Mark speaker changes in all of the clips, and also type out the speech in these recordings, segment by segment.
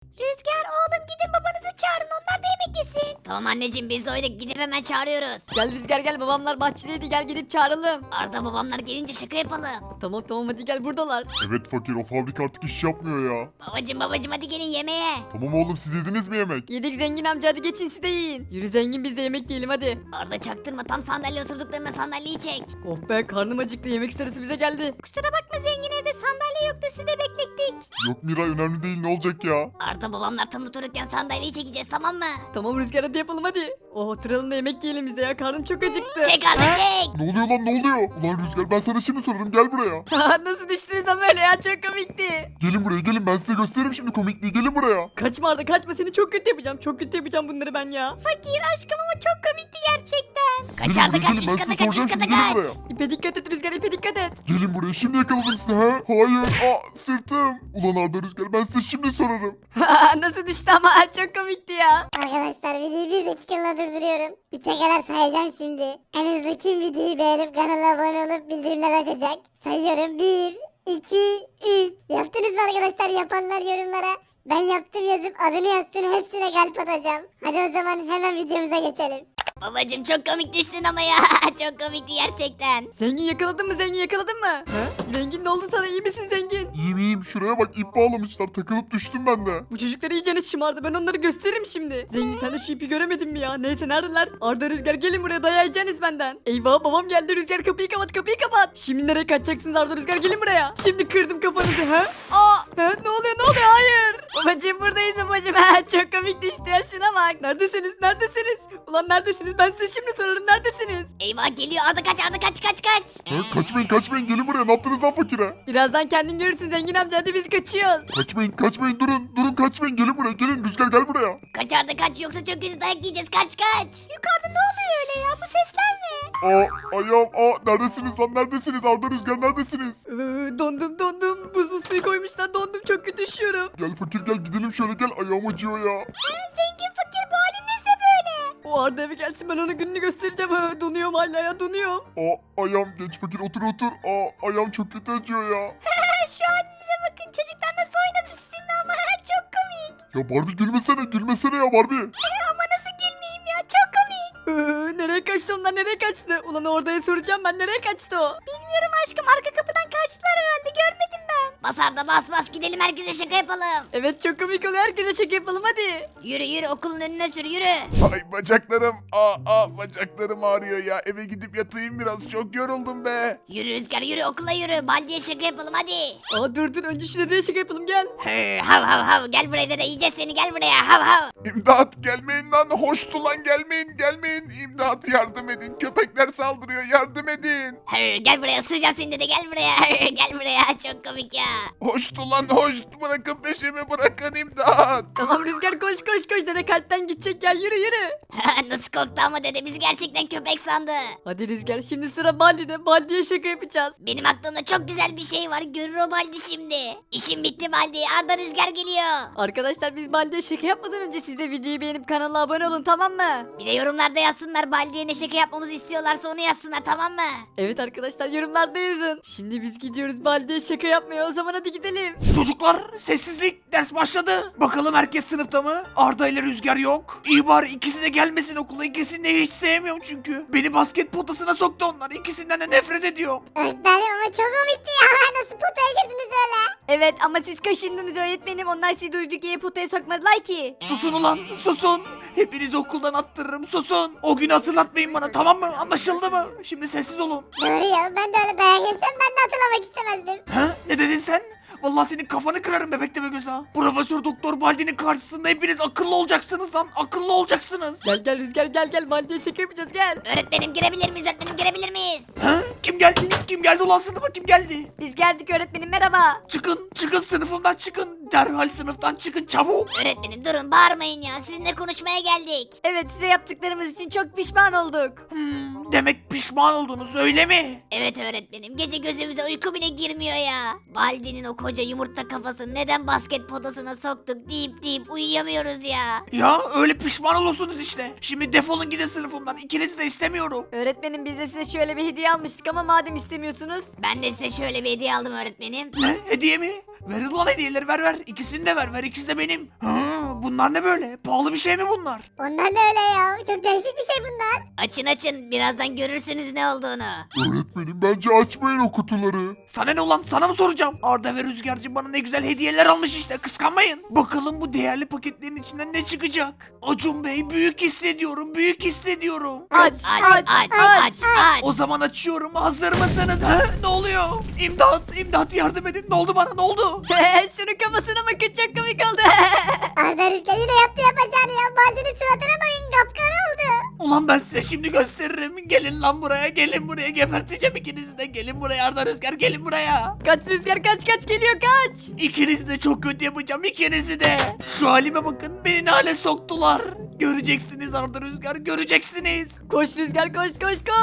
Speaker 1: Rüzgar oğlum gidin babanızı çağırın onlar da yemek yesin. Tamam anneciğim biz doyduk gidip hemen çağırıyoruz.
Speaker 2: Gel Rüzgar gel, babamlar bahçedeydi, gel gidip çağıralım.
Speaker 1: Arda babamlar gelince şaka yapalım.
Speaker 2: Tamam hadi gel, buradalar.
Speaker 3: Evet fakir, o fabrika artık iş yapmıyor ya.
Speaker 1: Babacım hadi gelin yemeğe.
Speaker 3: Tamam oğlum, siz yediniz mi yemek?
Speaker 2: Yedik zengin amca, hadi geçin siz de yiyin. Yürü zengin, biz de yemek yiyelim hadi.
Speaker 1: Arda çaktırma tam sandalye oturduklarına sandalyeyi çek.
Speaker 2: Oh be, karnım acıktı, yemek sırası bize geldi.
Speaker 1: Kusura bakma zengin evde sandalye yoktu sizi de beklettik.
Speaker 3: Yok Miray, önemli değil, ne olacak ya?
Speaker 1: Arda babamlar tam otururken sandalyeyi çekeceğiz tamam mı?
Speaker 2: Tamam Rüzgar, hadi yapalım hadi. Oh, oturalım da yemek yiyelim biz de ya, karnım çok acıktı.
Speaker 1: Çek Arda
Speaker 2: Ha?
Speaker 1: çek.
Speaker 3: Ne oluyor lan, ne oluyor? Ulan Rüzgar, ben sana şimdi sorarım, gel buraya.
Speaker 2: Nasıl düştünüz ama öyle ya, çok komikti.
Speaker 3: Gelin buraya gelin, ben size gösteririm şimdi komikliği, gelin buraya.
Speaker 2: Kaçma Arda kaçma, seni çok kötü yapacağım, çok kötü yapacağım bunları ben ya.
Speaker 1: Fakir aşkım ama çok komikti gerçekten. Kaç
Speaker 3: Gelin
Speaker 1: Arda
Speaker 3: buraya,
Speaker 1: kaç
Speaker 3: gelin, ben
Speaker 1: üst
Speaker 3: size
Speaker 1: kata kaç
Speaker 3: soracağım
Speaker 1: üst
Speaker 3: şimdi,
Speaker 1: kata
Speaker 3: gelin
Speaker 1: kaç.
Speaker 3: buraya.
Speaker 2: İpe dikkat et Rüzgar, ipe dikkat et.
Speaker 3: Gelin buraya, şimdi yakaladım sizi ha. Hayır, sırtım. Ulan Arda, Rüzgar, ben size şimdi sorarım.
Speaker 2: Nasıl düştü ama, çok komikti ya.
Speaker 4: Arkadaşlar videoyu bir dakikalığına durduruyorum. 3'e kadar sayacağım şimdi. En hızlı kim videoyu beğenip kanala abone olup bildirimler açacak? Sayıyorum 1, 2, 3. Yaptınız mı arkadaşlar? Yapanlar yorumlara ben yaptım yazıp adını yazsın, hepsine kalp atacağım. Hadi o zaman hemen videomuza geçelim.
Speaker 1: Babacım çok komik düştün ama ya. Çok komikti gerçekten.
Speaker 2: Zengin yakaladın mı, zengin yakaladın mı? Zengin ne oldu sana, iyi misin zengin?
Speaker 3: İyiyim, şuraya bak, ip bağlamışlar, takılıp düştüm ben de.
Speaker 2: Bu çocuklar iyicene şımardı, ben onları gösteririm şimdi. Zengin sen de şu ipi göremedin mi ya? Neyse, neredeler? Arda, Rüzgar gelin buraya, dayağı yiyeceksiniz benden. Eyvah, babam geldi. Rüzgar kapıyı kapat, kapıyı kapat. Şimdi nereye kaçacaksınız Arda, Rüzgar gelin buraya. Şimdi kırdım kafanızı ne oluyor hayır. Babacım buradayız babacım. Çok komik düştü ya, şuna bak. Neredesiniz Ulan neredesiniz, ben size şimdi sorarım, neredesiniz?
Speaker 1: Eyvah geliyor Arda kaç Arda kaç.
Speaker 3: Kaçmayın, gelin buraya, ne yaptınız lan fakire?
Speaker 2: Birazdan kendin görürsün zengin amca, hadi biz kaçıyoruz.
Speaker 3: Kaçmayın, durun kaçmayın, gelin buraya, gelin, Rüzgar gel buraya.
Speaker 1: Kaç Arda kaç yoksa çok kötü dayak yiyeceğiz kaç. Yukarıda ne oluyor öyle ya bu sesler ne?
Speaker 3: Ayağım, neredesiniz lan, neredesiniz? Arda, Rüzgar neredesiniz?
Speaker 2: Dondum. Buzlu suyu koymuşlar, dondum, çok kötü üşüyorum.
Speaker 3: Gel fakir, gel gidelim şöyle, gel, ayağım acıyor ya.
Speaker 1: Zengin fakir bu haliniz ne böyle?
Speaker 2: O Arda eve gelsin, ben ona gününü göstereceğim. Donuyorum hala ya, donuyorum.
Speaker 3: Ayağım, genç fakir, otur. Ayağım çok kötü acıyor ya.
Speaker 1: Şu halinize bakın çocuklar nasıl oynadı sizinle ama çok komik.
Speaker 3: Ya Barbie, gülmesene ya Barbie.
Speaker 1: Ama nasıl gülmeyeyim ya çok komik.
Speaker 2: Nereye kaçtı onlar, nereye kaçtı? Ulan Orda'ya soracağım ben, nereye kaçtı o?
Speaker 1: Bilmiyorum aşkım arka kapıdan kaçtılar herhalde görmedim ben. Bas Arda bas gidelim herkese şaka yapalım.
Speaker 2: Evet, çok komik oluyor, herkese şaka yapalım hadi.
Speaker 1: Yürü okulun önüne sür yürü.
Speaker 5: Ay bacaklarım. Bacaklarım ağrıyor ya. Eve gidip yatayım biraz. Çok yoruldum be.
Speaker 1: Yürü Rüzgar yürü okula yürü. Baldiye şaka yapalım hadi.
Speaker 2: Dur önce şu dedeye şaka yapalım, gel.
Speaker 1: Hav gel buraya dede yiyeceğiz seni gel buraya hav.
Speaker 5: İmdat, gelmeyin lan. Hoştu lan, gelmeyin. İmdat, yardım edin. Köpekler saldırıyor, yardım edin.
Speaker 1: Gel buraya ısıracağım seni dede gel buraya. Gel buraya çok komik ya.
Speaker 5: Hoştu lan, hoş. Bırakın peşimi, bırakın, imdat.
Speaker 2: Tamam Rüzgar, koş dede kalpten gidecek, gel yürü.
Speaker 1: Nasıl korktu ama dede bizi gerçekten köpek sandı.
Speaker 2: Hadi Rüzgar, şimdi sıra Baldi'de, Baldi'ye şaka yapacağız.
Speaker 1: Benim aklımda çok güzel bir şey var görür o Baldi şimdi. İşim bitti Baldi Arda Rüzgar geliyor.
Speaker 2: Arkadaşlar biz Baldi'ye şaka yapmadan önce siz de videoyu beğenip kanala abone olun, tamam mı?
Speaker 1: Bir de yorumlarda yazsınlar Baldi'ye ne şaka yapmamızı istiyorlarsa onu yazsınlar tamam mı?
Speaker 2: Evet arkadaşlar, yorumlarda yazın. Şimdi biz gidiyoruz Baldi'ye şaka yapmaya, o zaman hadi gidelim.
Speaker 6: Çocuklar sessizlik, ders başladı. Bakalım herkes sınıfta mı? Arda ile Rüzgar yok. İyi bari ikisi de gelmesin okula. İkisini de hiç sevmiyorum çünkü. Beni basket potasına soktu onlar. İkisinden de nefret ediyorum.
Speaker 4: Öğretmenim ama çok komikti ya. Nasıl potaya girdiniz öyle?
Speaker 2: Evet ama siz kaşındınız öğretmenim, onlar sizi duyduk diye potaya sokmadılar ki.
Speaker 6: Susun ulan, susun. Hepinizi okuldan attırırım, susun. O günü hatırlatmayın bana, tamam mı? Anlaşıldı mı? Şimdi sessiz olun.
Speaker 4: Doğru ya, ben de öyle dayak yesem ben de hatırlamak istemezdim.
Speaker 6: Ha? Ne dedin sen? Vallahi senin kafanı kırarım bebek deme göz ha. Profesör Doktor Baldi'nin karşısında hepiniz akıllı olacaksınız lan. Akıllı olacaksınız.
Speaker 2: Gel Rüzgar, gel Baldi'ye şaka yapacağız, gel.
Speaker 1: Öğretmenim girebilir miyiz öğretmenim girebilir miyiz?
Speaker 6: Ha? Kim geldi? Kim geldi ulan sınıfa, kim geldi?
Speaker 2: Biz geldik öğretmenim, merhaba.
Speaker 6: Çıkın sınıfımdan çıkın. Derhal sınıftan çıkın çabuk.
Speaker 1: Öğretmenim durun bağırmayın ya sizinle konuşmaya geldik.
Speaker 2: Evet, size yaptıklarımız için çok pişman olduk.
Speaker 6: Demek pişman oldunuz öyle mi?
Speaker 1: Evet öğretmenim, gece gözümüze uyku bile girmiyor ya. Baldi'nin o koca yumurta kafasını neden basket potasına soktuk deyip uyuyamıyoruz ya.
Speaker 6: Ya öyle pişman olursunuz işte. Şimdi defolun gidin sınıfımdan. İkinizi de istemiyorum.
Speaker 2: Öğretmenim biz de size şöyle bir hediye almıştık ama madem istemiyorsunuz.
Speaker 1: Ben de size şöyle bir hediye aldım öğretmenim.
Speaker 6: Ne? Hediye mi? Ver ulan hediyeleri ver. İkisini de ver. İkisi de benim. Bunlar ne böyle? Pahalı bir şey mi bunlar?
Speaker 4: Onlar da öyle ya. Çok değişik bir şey bunlar.
Speaker 1: Açın, birazdan görürsünüz ne olduğunu.
Speaker 3: Öğretmenim bence açmayın o kutuları.
Speaker 6: Sana ne ulan? Sana mı soracağım? Arda ve Rüzgarcığım bana ne güzel hediyeler almış işte. Kıskanmayın. Bakalım bu değerli paketlerin içinden ne çıkacak? Acun Bey büyük hissediyorum.
Speaker 2: Aç.
Speaker 1: Aç.
Speaker 6: O zaman açıyorum. Hazır mısınız? Ne oluyor? İmdat yardım edin. Ne oldu bana? Ne oldu?
Speaker 2: Şunun kafasına bakın çok komik oldu.
Speaker 4: Arda Rüzgar yine yaptı yapacağını ya. Baldi'nin suratına bakın kapkara oldu.
Speaker 6: Ulan ben size şimdi gösteririm. Gelin lan buraya. Gelin buraya. Geberteceğim ikinizi de. Gelin buraya Arda Rüzgar. Gelin buraya.
Speaker 2: Kaç Rüzgar kaç geliyor kaç.
Speaker 6: İkinizi de çok kötü yapacağım. İkinizi de. Şu halime bakın. Beni ne hale soktular. Göreceksiniz Arda Rüzgar. Göreceksiniz.
Speaker 2: Koş Rüzgar koş.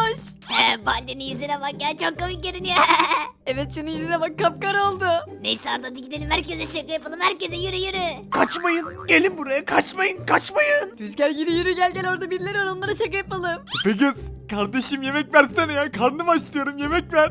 Speaker 1: Baldi'nin yüzüne bak ya, çok komik görünüyor.
Speaker 2: Evet şunun yüzüne bak kapkara oldu.
Speaker 1: Neyse Arda, hadi gidelim herkese şaka yapalım, herkese yürü.
Speaker 6: Kaçmayın. Gelin buraya. Kaçmayın.
Speaker 2: Rüzgar yürü gel orada birileri var onlara şaka yapalım.
Speaker 7: Tepegöz kardeşim yemek versene ya, karnım aç diyorum, yemek ver.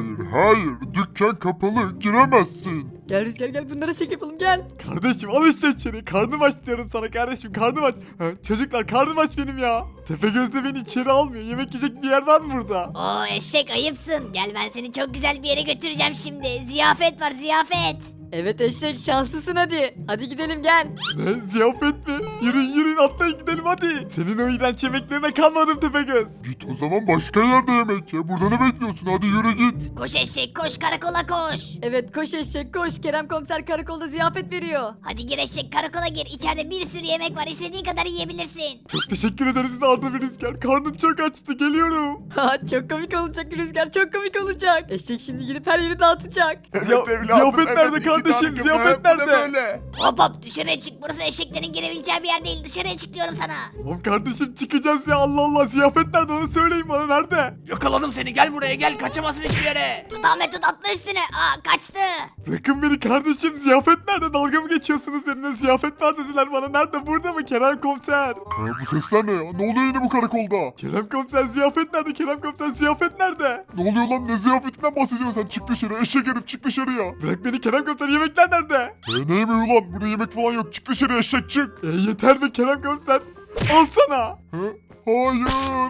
Speaker 3: Hayır dükkan kapalı giremezsin.
Speaker 2: Gel Rüzgar gel bunlara şaka yapalım gel.
Speaker 7: Kardeşim al işte içeri, karnım aç diyorum sana kardeşim, karnım aç. Çocuklar karnım aç benim ya. Tepegöz de beni içeri almıyor, yemek yiyecek bir yer var mı burada?
Speaker 1: Oo eşek, ayıpsın. Gel, ben seni çok güzel bir yere götüreceğim şimdi. Ziyafet var, ziyafet.
Speaker 2: Evet eşek şanslısın hadi. Hadi gidelim gel.
Speaker 7: Ne, ziyafet mi? Yürüyün atlayın gidelim hadi. Senin o iğrenç yemeklerine kalmadım Tepegöz.
Speaker 3: Git o zaman başka yerde yemek ye. Burada ne bekliyorsun? Hadi yürü git.
Speaker 1: Koş eşek, koş karakola koş.
Speaker 2: Evet koş eşek koş. Kerem komiser karakolda ziyafet veriyor.
Speaker 1: Hadi gir eşek, karakola gir. İçeride bir sürü yemek var, istediğin kadar yiyebilirsin.
Speaker 7: Çok teşekkür ederim size Arda ve Rüzgar. Karnım çok açtı, geliyorum.
Speaker 2: Ha çok komik olacak Rüzgar çok komik olacak. Eşek şimdi gidip her yeri dağıtacak.
Speaker 7: Ziyafet nerede
Speaker 5: iki
Speaker 7: kardeşim?
Speaker 5: tane
Speaker 7: Ziyafet
Speaker 5: köpeğe, bu ne
Speaker 7: nerede?
Speaker 5: böyle?
Speaker 1: Hop dışarıya çık, burası eşeklerin girebileceği bir yer değil. Dışarıya çık diyorum sana.
Speaker 7: Oğlum kardeşim çıkacağız ya, Allah Allah, ziyafet nerede onu söyleyin bana, nerede?
Speaker 6: Yakaladım seni. Gel buraya. Gel. Kaçamazsın hiçbir yere.
Speaker 1: Tut Ahmet, tut, atla üstüne. Kaçtı.
Speaker 7: Bırakın beni kardeşim, ziyafet nerede? Dalga mı geçiyorsunuz benimle? Ziyafet var dediler bana, nerede? Burada mı Kerem komiser?
Speaker 3: Bu sesler ne ya? Ne oluyor yine bu karakolda?
Speaker 7: Kerem komiser ziyafet nerede? Kerem komiser ziyafet nerede?
Speaker 3: Ne oluyor lan? Ne ziyafetinden bahsediyorsun sen? Çık dışarı. Eşek herif çık dışarıya.
Speaker 7: Bırak beni Kerem komiser, yemekler nerede?
Speaker 3: Ne yemeği ulan? Burada yemek falan yok. Çık dışarı eşek çık.
Speaker 7: Yeter be Kerem komiser. Al sana.
Speaker 3: Hayır.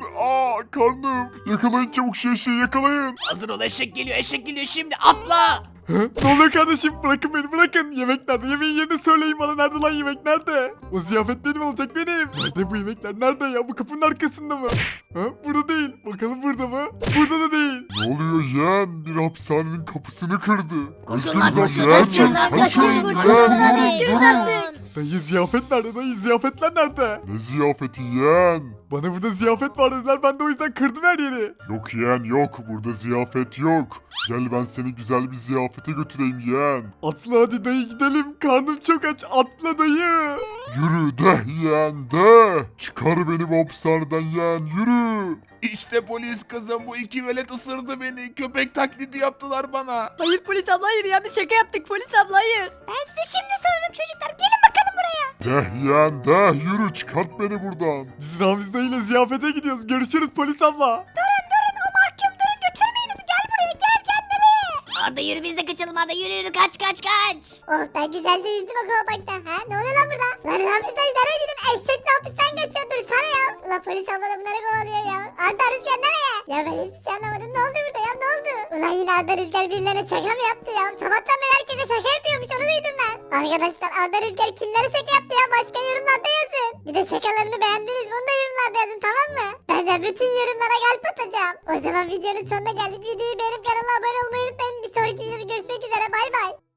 Speaker 3: Karnım. Yakalayın çabuk şu eşeği yakalayın.
Speaker 6: Hazır ol. Eşek geliyor. Şimdi. Atla.
Speaker 7: Ne oluyor kardeşim? Bırakın beni, bırakın. Yemek nerede? Yemeğin yerini söyleyin bana. Nerede lan yemek, nerede? O ziyafet benim olacak, benim. Nerede bu yemekler? Nerede ya? Bu kapının arkasında mı? Burada değil. Bakalım burada mı? Burada da değil.
Speaker 3: Ne oluyor yeğen? Bir hapishanenin kapısını kırdı.
Speaker 1: Koşun lan,
Speaker 3: Üzgünüz
Speaker 1: koşun.
Speaker 3: abi, yeğen.
Speaker 1: Kaçın lan,
Speaker 3: Kaçın,
Speaker 1: kaçın.
Speaker 3: durun,
Speaker 1: Kaçın
Speaker 3: durun,
Speaker 1: hadi.
Speaker 3: durun.
Speaker 1: Kaçın.
Speaker 7: Dayı ziyafet nerede? Dayı ziyafetler nerede?
Speaker 3: Ne ziyafeti yeğen?
Speaker 7: Bana burada ziyafet var dediler. Ben de o yüzden kırdım her yeri.
Speaker 3: Yok yeğen yok. Burada ziyafet yok. Gel ben seni güzel bir ziyafete götüreyim yeğen.
Speaker 7: Atla hadi dayı gidelim. Karnım çok aç. Atla dayı.
Speaker 3: Yürü de yeğen de. Çıkar beni bu hapishaneden yeğen yürü.
Speaker 5: İşte polis kızım, bu iki velet ısırdı beni. Köpek taklidi yaptılar bana.
Speaker 2: Hayır polis abla hayır ya biz şaka yaptık polis abla hayır.
Speaker 1: Ben size şimdi sorarım çocuklar. Gelin bakalım buraya.
Speaker 3: De yeğen de yürü çıkart beni buradan.
Speaker 7: Biz Ramiz dayıyla ziyafete gidiyoruz. Görüşürüz polis abla.
Speaker 1: O mahkum, durun, götürmeyin onu. Gel buraya, gel nereye? Arda yürü, biz de kaçalım Arda, yürü kaç.
Speaker 4: Oh ben güzelce yüzdüm o kovmakta. Ne oluyor lan burada? Lan Ramiz dayı nereye gidin? Eşekle hapisten kaçıyor. Dursana ya. Ulan polis abla da bunları kovalıyor ya. Arda Rüzgar nereye? Ya ben hiçbir şey anlamadım. Ne oldu burada ya? Ne oldu? Ulan yine Arda Rüzgar birilerine şaka mı yaptı ya? Sabahtan beri herkese şaka yapıyormuş. Onu duydum ben. Arkadaşlar Arda Rüzgar kimlere şaka yaptı ya? Başka yorumlarda yazın. Bir de şakalarını beğendiniz mi? Onu da yorumlarda yazın, tamam mı? Ben de bütün yorumlara kalp atacağım. O zaman videonun sonuna geldik. Videoyu beğenip kanala abone olmayı unutmayın. Bir sonraki videoda görüşmek üzere. Bay bay.